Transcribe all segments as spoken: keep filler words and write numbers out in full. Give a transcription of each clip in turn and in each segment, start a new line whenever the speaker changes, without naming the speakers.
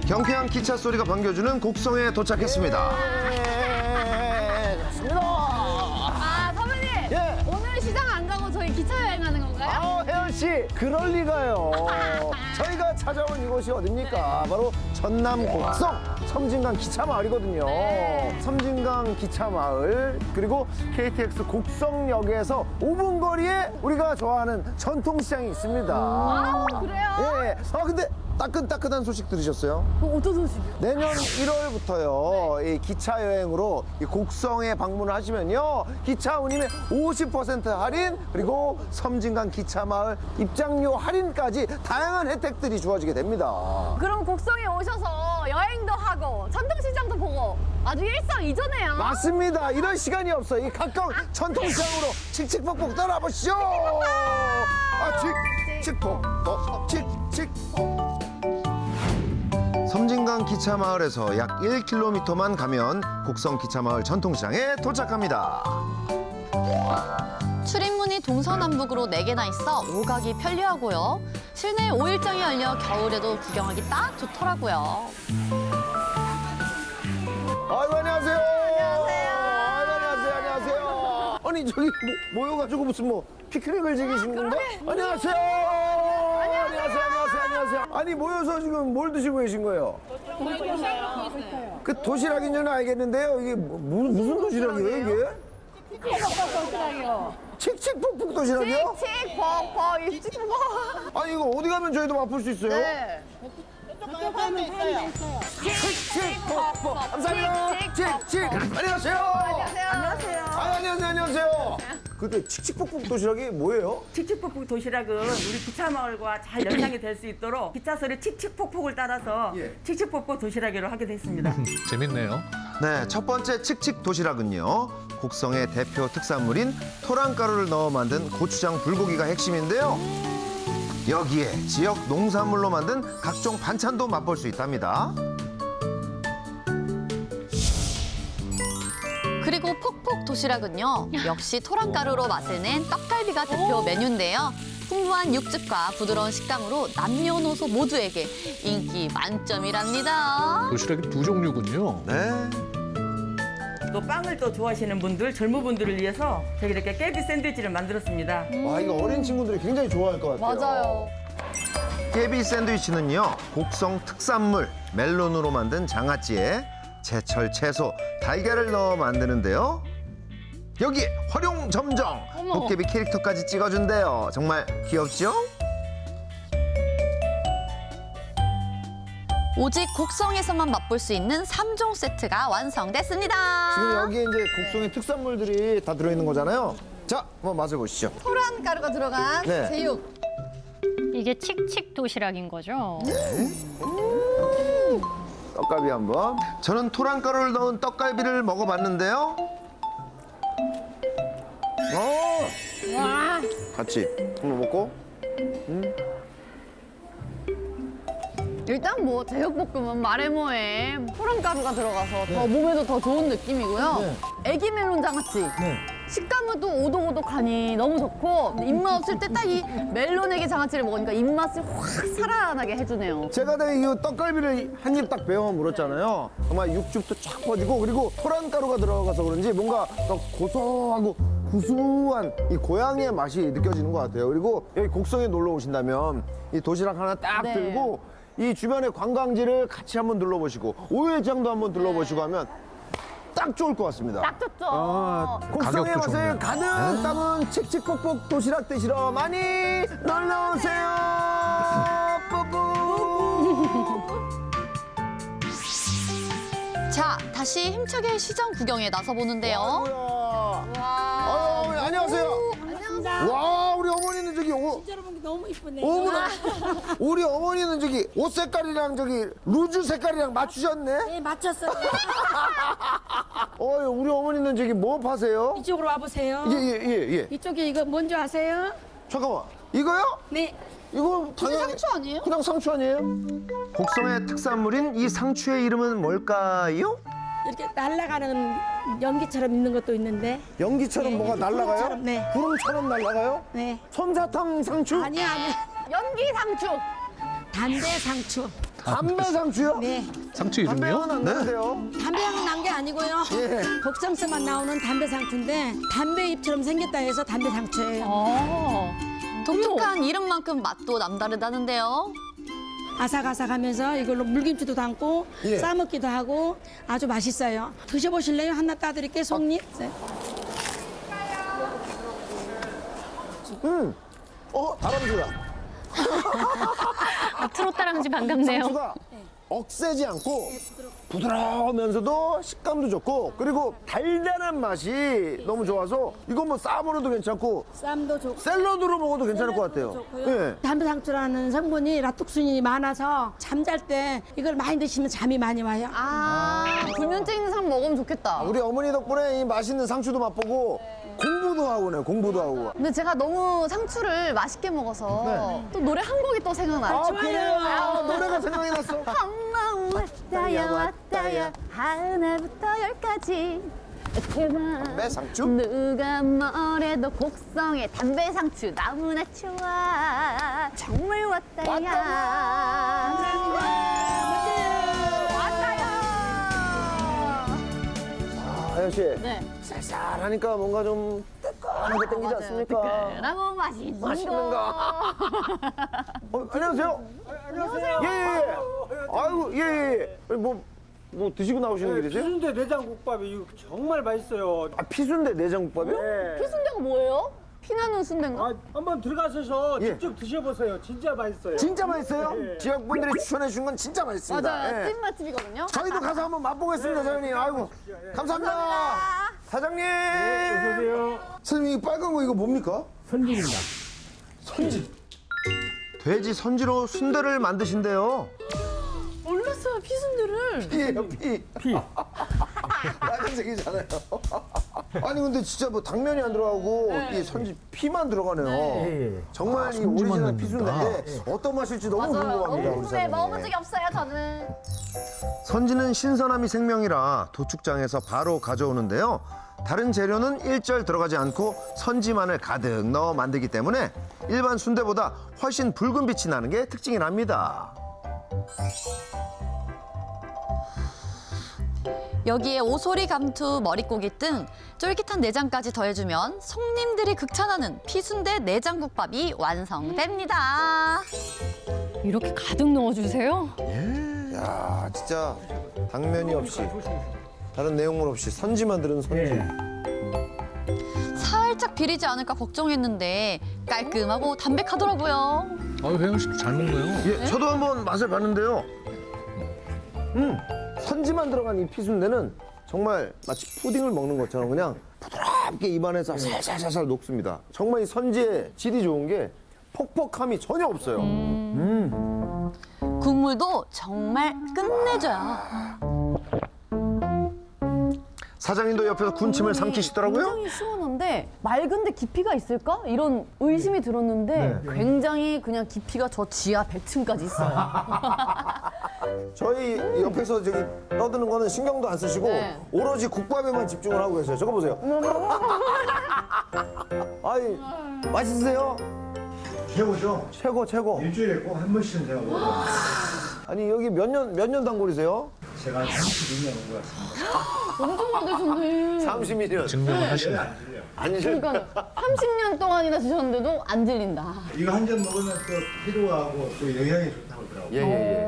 경쾌한 기차 소리가 반겨주는 곡성에 도착했습니다.
예, 좋습니다.
아, 선배님.
예.
오늘 시장 안 가고 저희 기차 여행하는 건가요?
아, 혜연 씨, 그럴 리가요. 저희가 찾아온 이곳이 어딥니까? 바로 전남 곡성 섬진강 기차마을이거든요.
네.
섬진강 기차마을 그리고 케이티엑스 곡성역에서 오 분 거리에 우리가 좋아하는 전통시장이 있습니다.
아, 그래요?
예. 아 근데 따끈따끈한 소식 들으셨어요?
어, 어떤 소식이요?
내년 일월부터요, 이 기차 여행으로 이 곡성에 방문을 하시면요, 기차 운임의 오십 퍼센트 할인, 그리고 섬진강 기차마을 입장료 할인까지 다양한 혜택들이 주어지게 됩니다.
그럼 곡성에 오셔서 여행도 하고 전통시장도 보고 아주 일석이조네요.
맞습니다. 이런 시간이 없어요. 이 가까운 전통시장으로 칙칙폭폭 떠나보시죠. 아, 칙칙폭폭, 칙칙폭.
섬진강 기차마을에서 약 일 킬로미터만 가면 곡성 기차마을 전통시장에 도착합니다.
출입문이 동서남북으로 네 개나 있어 오가기 편리하고요. 실내 오 일장이 열려 겨울에도 구경하기 딱 좋더라고요.
아이고, 안녕하세요. 안녕하세요. 아이고, 안녕하세요. 안녕하세요. 아니, 저기 모, 모여가지고 무슨 뭐 피크닉을 즐기시는 건가? 안녕하세요. 안녕하세요. 안녕하세요. 안녕하세요. 아니, 모여서 지금 뭘 드시고 계신 거예요? 그 도시락인지는 알겠는데요. 이게 뭐, 무- 무슨 도시락이에요, 이게?
도시락이요.
칙칙폭폭 도시락이요?
칙칙폭폭 칙칙폭.
아니, 이거 어디 가면 저희도 맛볼 수 있어요?
네.
칙칙폭폭. 감사합니다. 칙칙. 안녕하세요.
안녕하세요.
아, 안녕하세요. 안녕하세요. 그때 칙칙폭폭 도시락이 뭐예요?
칙칙폭폭 도시락은 우리 기차마을과 잘 연상이 될 수 있도록 기차 소리 칙칙폭폭을 따라서
예.
칙칙폭폭 도시락으로 하게 됐습니다.
재밌네요.
네, 첫 번째 칙칙 도시락은요. 곡성의 대표 특산물인 토랑가루를 넣어 만든 고추장 불고기가 핵심인데요. 여기에 지역 농산물로 만든 각종 반찬도 맛볼 수 있답니다.
그리고 폭폭 도시락은요. 역시 토랑가루로 맛을 낸 떡갈비가 대표 메뉴인데요. 풍부한 육즙과 부드러운 식감으로 남녀노소 모두에게 인기 만점이랍니다.
도시락이 두 종류군요.
네.
또 빵을 또 좋아하시는 분들, 젊은 분들을 위해서 저희 이렇게 깨비 샌드위치를 만들었습니다.
와, 이거 어린 친구들이 굉장히 좋아할 것 같아요.
맞아요.
깨비 샌드위치는요. 곡성 특산물 멜론으로 만든 장아찌에 제철 채소, 달걀을 넣어 만드는데요. 여기에 활용점정 도깨비 캐릭터까지 찍어준대요. 정말 귀엽죠?
오직 곡성에서만 맛볼 수 있는 삼 종 세트가 완성됐습니다.
지금 여기에 이제 곡성의 특산물들이 다 들어있는 거잖아요. 자, 한번 맛을 보시죠.
토란 가루가 들어간
네.
제육.
이게 칙칙 도시락인 거죠?
떡갈비 한번.
저는 토랑가루를 넣은 떡갈비를 먹어봤는데요.
어,
와.
같이 한번 먹고.
일단 뭐 제육볶음은 말해 뭐해 토란 가루가 들어가서 더 몸에도 더 좋은 느낌이고요.
네.
애기 멜론 장아찌.
네.
식감은 또 오독오독하니 너무 좋고 입맛 없을 때 딱 이 멜론 애기 장아찌를 먹으니까 입맛을 확 살아나게 해주네요.
제가 내가 이 떡갈비를 한 입 딱 베어 물었잖아요. 정말 육즙도 쫙 퍼지고 그리고 토란가루가 들어가서 그런지 뭔가 더 고소하고 구수한 이 고향의 맛이 느껴지는 것 같아요. 그리고 여기 곡성에 놀러 오신다면 이 도시락 하나 딱
네.
들고 이 주변의 관광지를 같이 한번 둘러보시고 오일장도 한번 둘러보시고 하면 딱 좋을 것 같습니다.
딱 좋죠.
아, 곡성에
가격도
와서
좋네요.
가득 담은 칙칙폭폭 도시락 드시러 많이 놀러 오세요. 뿌뿌.
자, 다시 힘차게 시장 구경에 나서보는데요.
와.
와.
어머니, 안녕하세요.
안녕하세요.
와, 우리 어머니는 저기 옷.
진짜로 보기 너무 이쁘네요.
어머나. 우리 어머니는 저기 옷 색깔이랑 저기 루즈 색깔이랑 맞추셨네.
네, 맞췄어요.
어, 우리 어머니는 저기 뭐 파세요?
이쪽으로 와보세요.
예, 예, 예, 예.
이쪽에 이거 뭔지 아세요?
잠깐만. 이거요?
네.
이거 당연히
상추 아니에요?
그냥 상추 아니에요?
곡성의 특산물인 이 상추의 이름은 뭘까요?
이렇게 날아가는 연기처럼 있는 것도 있는데.
연기처럼
예,
뭐가 날아가요?
구름처럼, 네.
구름처럼 날아가요?
네.
솜사탕 상추?
아니야, 아니야.
연기 상추.
담배 상추.
담배 상추요?
네.
상추
담배
이름이요?
향은 안 나는데요?
담배향은 난 게 아니고요.
예.
복sam서만 나오는 담배 상추인데 담배 잎처럼 생겼다 해서 담배 상추예요.
어.
독특한 이름만큼 맛도 남다르다는데요.
아삭아삭하면서 이걸로 물김치도 담고
예.
싸먹기도 하고 아주 맛있어요. 드셔보실래요? 하나 따드릴게요. 속잎. 네.
음. 어, 다람쥐가.
아, 트롯 다람쥐 반갑네요.
상추가 억세지 않고 부드러우면서도 식감도 좋고 그리고 달달한 맛이 너무 좋아서 이거 뭐 싸먹어도 괜찮고
쌈도 좋고.
샐러드로 먹어도 괜찮을 것 같아요.
좋고요.
예.
담배 상추라는 성분이 라톡순이 많아서 잠잘 때 이걸 많이 드시면 잠이 많이 와요.
아, 불면증 있는 사람 먹으면 좋겠다.
우리 어머니 덕분에 이 맛있는 상추도 맛보고 공부도 하고네, 공부도 하고.
근데 제가 너무 상추를 맛있게 먹어서 또 노래 한 곡이 또 생각나요.
아, 그래요? 아, 노래가 생각이 났어.
엄마 왔다야 왔다야 하나부터 열까지 그만
담배 상추?
누가 뭐래도 곡성의 담배 상추 너무나 좋아 정말 왔다야
아, 아연 씨.
네.
쌀쌀하니까 뭔가 좀 뜨끈한 게 땡기지 않습니까?
라고 맛있는
맛있는
거.
거. 어, 안녕하세요. 안녕하세요. 예, 예. 아이고, 예, 예. 예. 뭐, 뭐 드시고 나오시는 길이세요?
피순대 내장국밥이 이거 정말 맛있어요.
아, 피순대 내장국밥이요?
네.
피순대가 뭐예요? 피나는 순대인가?
아, 한번 들어가셔서
예.
직접 드셔보세요. 진짜 맛있어요.
진짜 맛있어요?
예.
지역분들이 추천해 주신 건 진짜 맛있습니다.
맞아요.
예.
찐맛집이거든요.
저희도 가서 한번 맛보겠습니다, 사장님. 아이고, 감사합니다. 사장님.
어서오세요.
선생님, 이 빨간 거 이거 뭡니까?
선진입니다.
선지.
돼지 선지로 순대를 만드신대요.
몰랐어요, 피순대를.
피예요, 피.
피.
빨간색이잖아요. 아니 근데 진짜 뭐 당면이 안 들어가고 이 선지 피만 들어가네요.
예.
정말 이
선지만
오리지널
넣는다.
피순대인데 어떤 맛일지 너무 궁금합니다.
너무
우리
궁금해.
사장님.
먹어본 적이 없어요, 저는.
선지는 신선함이 생명이라 도축장에서 바로 가져오는데요. 다른 재료는 일절 들어가지 않고 선지만을 가득 넣어 만들기 때문에 일반 순대보다 훨씬 붉은 빛이 나는 게 특징이랍니다.
여기에 오소리, 감투, 머릿고기 등 쫄깃한 내장까지 더해주면 손님들이 극찬하는 피순대 내장국밥이 완성됩니다.
이렇게 가득 넣어주세요?
야 진짜 당면이 없이 다른 내용물 없이 선지만 들은 선지.
예.
살짝 비리지 않을까 걱정했는데 깔끔하고 담백하더라고요.
아, 혜영 씨도 잘 먹네요.
예, 저도 한번 맛을 봤는데요.
음 선지만 들어간 이 피순대는 정말 마치 푸딩을 먹는 것처럼 그냥 부드럽게 입안에서 살살살살 녹습니다. 정말 이 선지의 질이 좋은 게 퍽퍽함이 전혀 없어요.
국물도 정말 끝내줘요.
사장님도 옆에서 군침을 삼키시더라고요.
굉장히 시원한데 맑은데 깊이가 있을까? 이런 의심이 들었는데 굉장히 그냥 깊이가 저 지하 백 층까지 있어요.
저희 옆에서 저기 떠드는 거는 신경도 안 쓰시고
네.
오로지 국밥에만 집중을 하고 계세요. 저거 보세요. 아이 맛있으세요?
최고죠.
최고 최고.
일주일에 꼭 한 번씩은 제가 먹어요.
아니 여기 몇 년 몇 년 단골이세요?
제가 한 삼십이 년 온 것 같습니다.
엄청 많으셨네.
삼십이 년.
증명을 하시네.
안 질려요.
아니 저
그러니까 삼십 년 동안이나 드셨는데도 안 질린다.
이거 한 잔 먹으면 또 피로하고 또 영양이 좋다고 하더라고요.
예예예.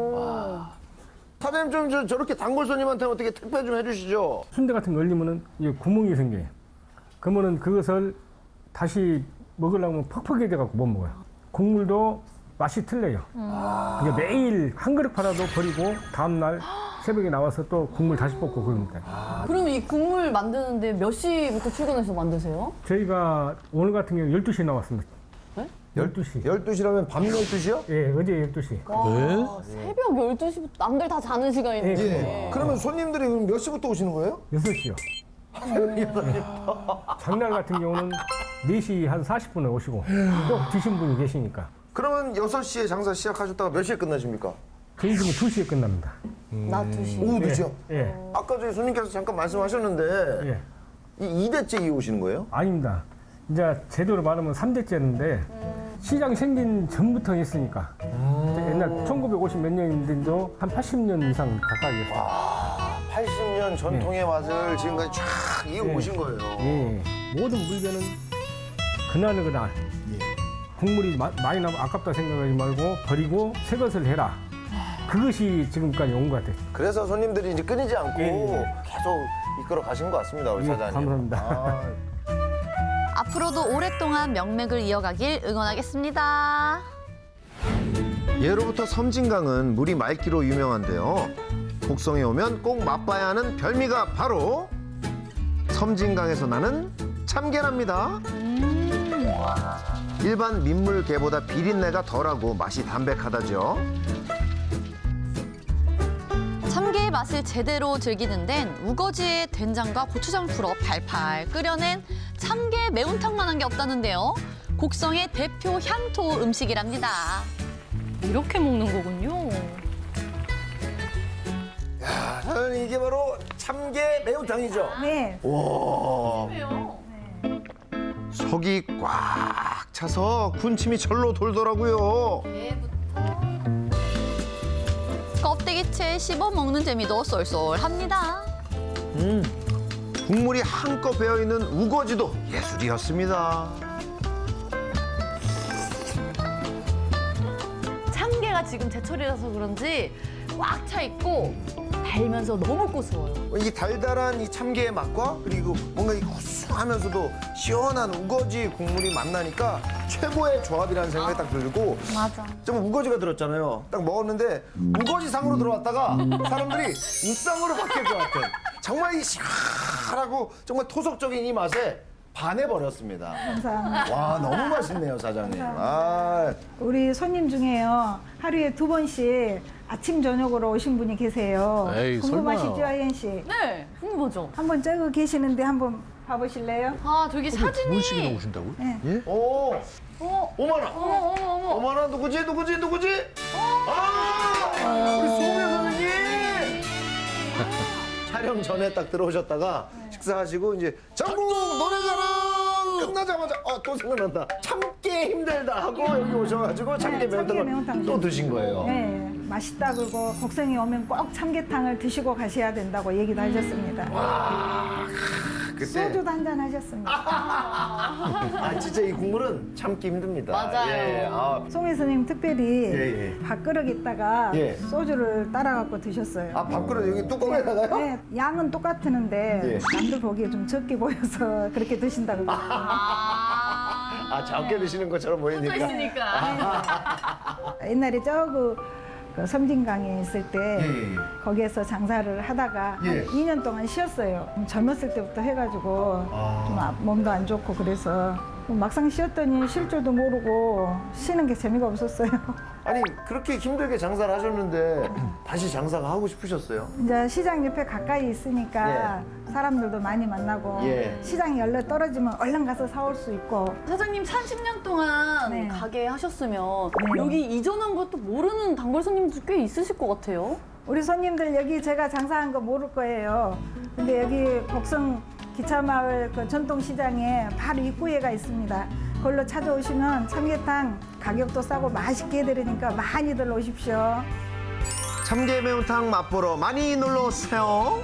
사장님 좀 저, 저렇게 단골 손님한테 어떻게 택배 좀 해주시죠.
순대 같은 거 올리면은 이게 구멍이 생겨요. 그러면은 그것을 다시 먹으려면 퍽퍽해져 갖고 못 먹어요. 국물도 맛이 틀려요. 이게 매일 한 그릇 팔아도 버리고 다음 날 새벽에 나와서 또 국물 다시 볶고 그럽니다.
그럼 이 국물 만드는데 몇 시부터 출근해서 만드세요?
저희가 오늘 같은 경우 열두 시에 나왔습니다.
네?
열두 시.
열두 시라면 밤 열두 시요?
예, 어제 열두 시.
와, 새벽 열두 시부터 남들 다 자는 시간인데.
예. 그러면 손님들이 그럼 몇 시부터 오시는 거예요?
여섯 시요. 장날 같은 경우는 네 시 한 사십 분에 오시고 또 드신 분이 계시니까.
그러면 여섯 시에 장사 시작하셨다가 몇 시에 끝나십니까?
저희 집은 두 시에 끝납니다.
낮 두 시.
오후 두 시요?
예,
아까 저희 손님께서 잠깐 말씀하셨는데
예.
이 이 대째 이어오시는 거예요?
아닙니다. 이제 제대로 말하면 삼 대째인데 시장 생긴 전부터 했으니까 옛날 그냥 천구백오십 몇 년인데도 한 팔십 년 이상 가까이 했어요.
아, 팔십 년 전통의 맛을 지금까지 쫙 이어오신
예.
거예요.
예. 모든 물건은 그날 그날 국물이 마- 많이 나면 아깝다 생각하지 말고 버리고 새 것을 해라. 그것이 지금까지 온 것 같아요.
그래서 손님들이 이제 끊이지 않고
예, 예.
계속 이끌어 가신 것 같습니다, 우리
예,
사장님.
감사합니다.
아,
앞으로도 오랫동안 명맥을 이어가길 응원하겠습니다.
예로부터 섬진강은 물이 맑기로 유명한데요. 곡성에 오면 꼭 맛봐야 하는 별미가 바로 섬진강에서 나는 참게랍니다. 일반 민물개보다 비린내가 덜하고 맛이 담백하다죠.
참게의 맛을 제대로 즐기는 데는 우거지에 된장과 고추장 풀어 팔팔 끓여낸 참게 매운탕만한 게 없다는데요. 곡성의 대표 향토 음식이랍니다.
이렇게 먹는 거군요.
야, 사장님 이게 바로 참게 매운탕이죠?
네.
와.
속이 꽉 차서 군침이 절로 돌더라고요.
껍데기채 씹어 먹는 재미도 쏠쏠합니다.
음, 국물이 한껏 배어있는 우거지도 예술이었습니다.
참게가 지금 제철이라서 그런지 꽉 차 있고 달면서 너무 고소해요.
이 달달한 이 참게의 맛과 그리고 뭔가 이 구수하면서도 시원한 우거지 국물이 만나니까 최고의 조합이라는 생각이 딱 들고
맞아.
좀 우거지가 들었잖아요. 딱 먹었는데 우거지 상으로 들어왔다가 사람들이 우상으로 바뀔 것 같은 정말 이 시원하고 정말 토속적인 이 맛에 반해버렸습니다.
감사합니다.
와, 너무 맛있네요, 사장님. 아,
우리 손님 중에요. 하루에 두 번씩 아침 저녁으로 오신 분이 계세요.
에이,
궁금하시죠,
설마.
하연 씨?
네, 궁금하죠?
한번 저거 계시는데 한번 봐보실래요?
아, 저기
두
사진이.
분씩이나 오신다고요?
네.
오,
어,
오마나.
어머, 어머, 어머.
오마나 누구지, 누구지, 누구지? 아, 우리 소매 선생님. 촬영 전에 딱 들어오셨다가 식사하시고 이제 전국 노래자랑 끝나자마자 아, 또 생각난다. 참기 힘들다 하고 여기 오셔가지고 참깨
네, 참깨
매운탕을
매운탕
또 드신 거예요.
네, 맛있다 그러고 곡성에 오면 꼭 참게탕을 드시고 가셔야 된다고 얘기도 하셨습니다.
그때
소주도 한잔 하셨습니다.
아 진짜 이 국물은 참기 힘듭니다.
맞아요.
예, 아,
송혜 선생님 특별히
예, 예.
밥그릇 있다가
예.
소주를 따라갖고 드셨어요.
아 밥그릇 여기 뚜껑에다가요?
네, 양은 똑같은데
예.
남들 보기에 좀 적게 보여서 그렇게 드신다고 그러더라고요.
아 적게 드시는 것처럼 보이니까.
있으니까.
옛날에 저그 그 섬진강에 있을 때
예, 예.
거기에서 장사를 하다가
예.
한 이 년 동안 쉬었어요. 젊었을 때부터 해가지고
아.
좀 아- 몸도 안 좋고 그래서 막상 쉬었더니 쉴 줄도 모르고 쉬는 게 재미가 없었어요.
아니 그렇게 힘들게 장사를 하셨는데 다시 장사가 하고 싶으셨어요?
이제 시장 옆에 가까이 있으니까 사람들도 많이 만나고
예.
시장이 열려 떨어지면 얼른 가서 사올 수 있고
사장님 삼십 년 동안
네.
가게 하셨으면
네.
여기 이전한 것도 모르는 단골 손님들 꽤 있으실 것 같아요.
우리 손님들 여기 제가 장사한 거 모를 거예요. 근데 여기 곡성 기차마을 그 전통시장에 바로 입구에가 있습니다. 그걸로 찾아오시면 참게탕 가격도 싸고 맛있게 해드리니까 많이들 오십시오.
참게 매운탕 맛보러 많이 놀러 오세요.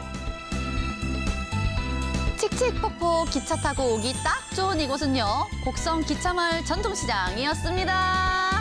칙칙폭폭 기차 타고 오기 딱 좋은 이곳은요. 곡성 기차마을 전통시장이었습니다.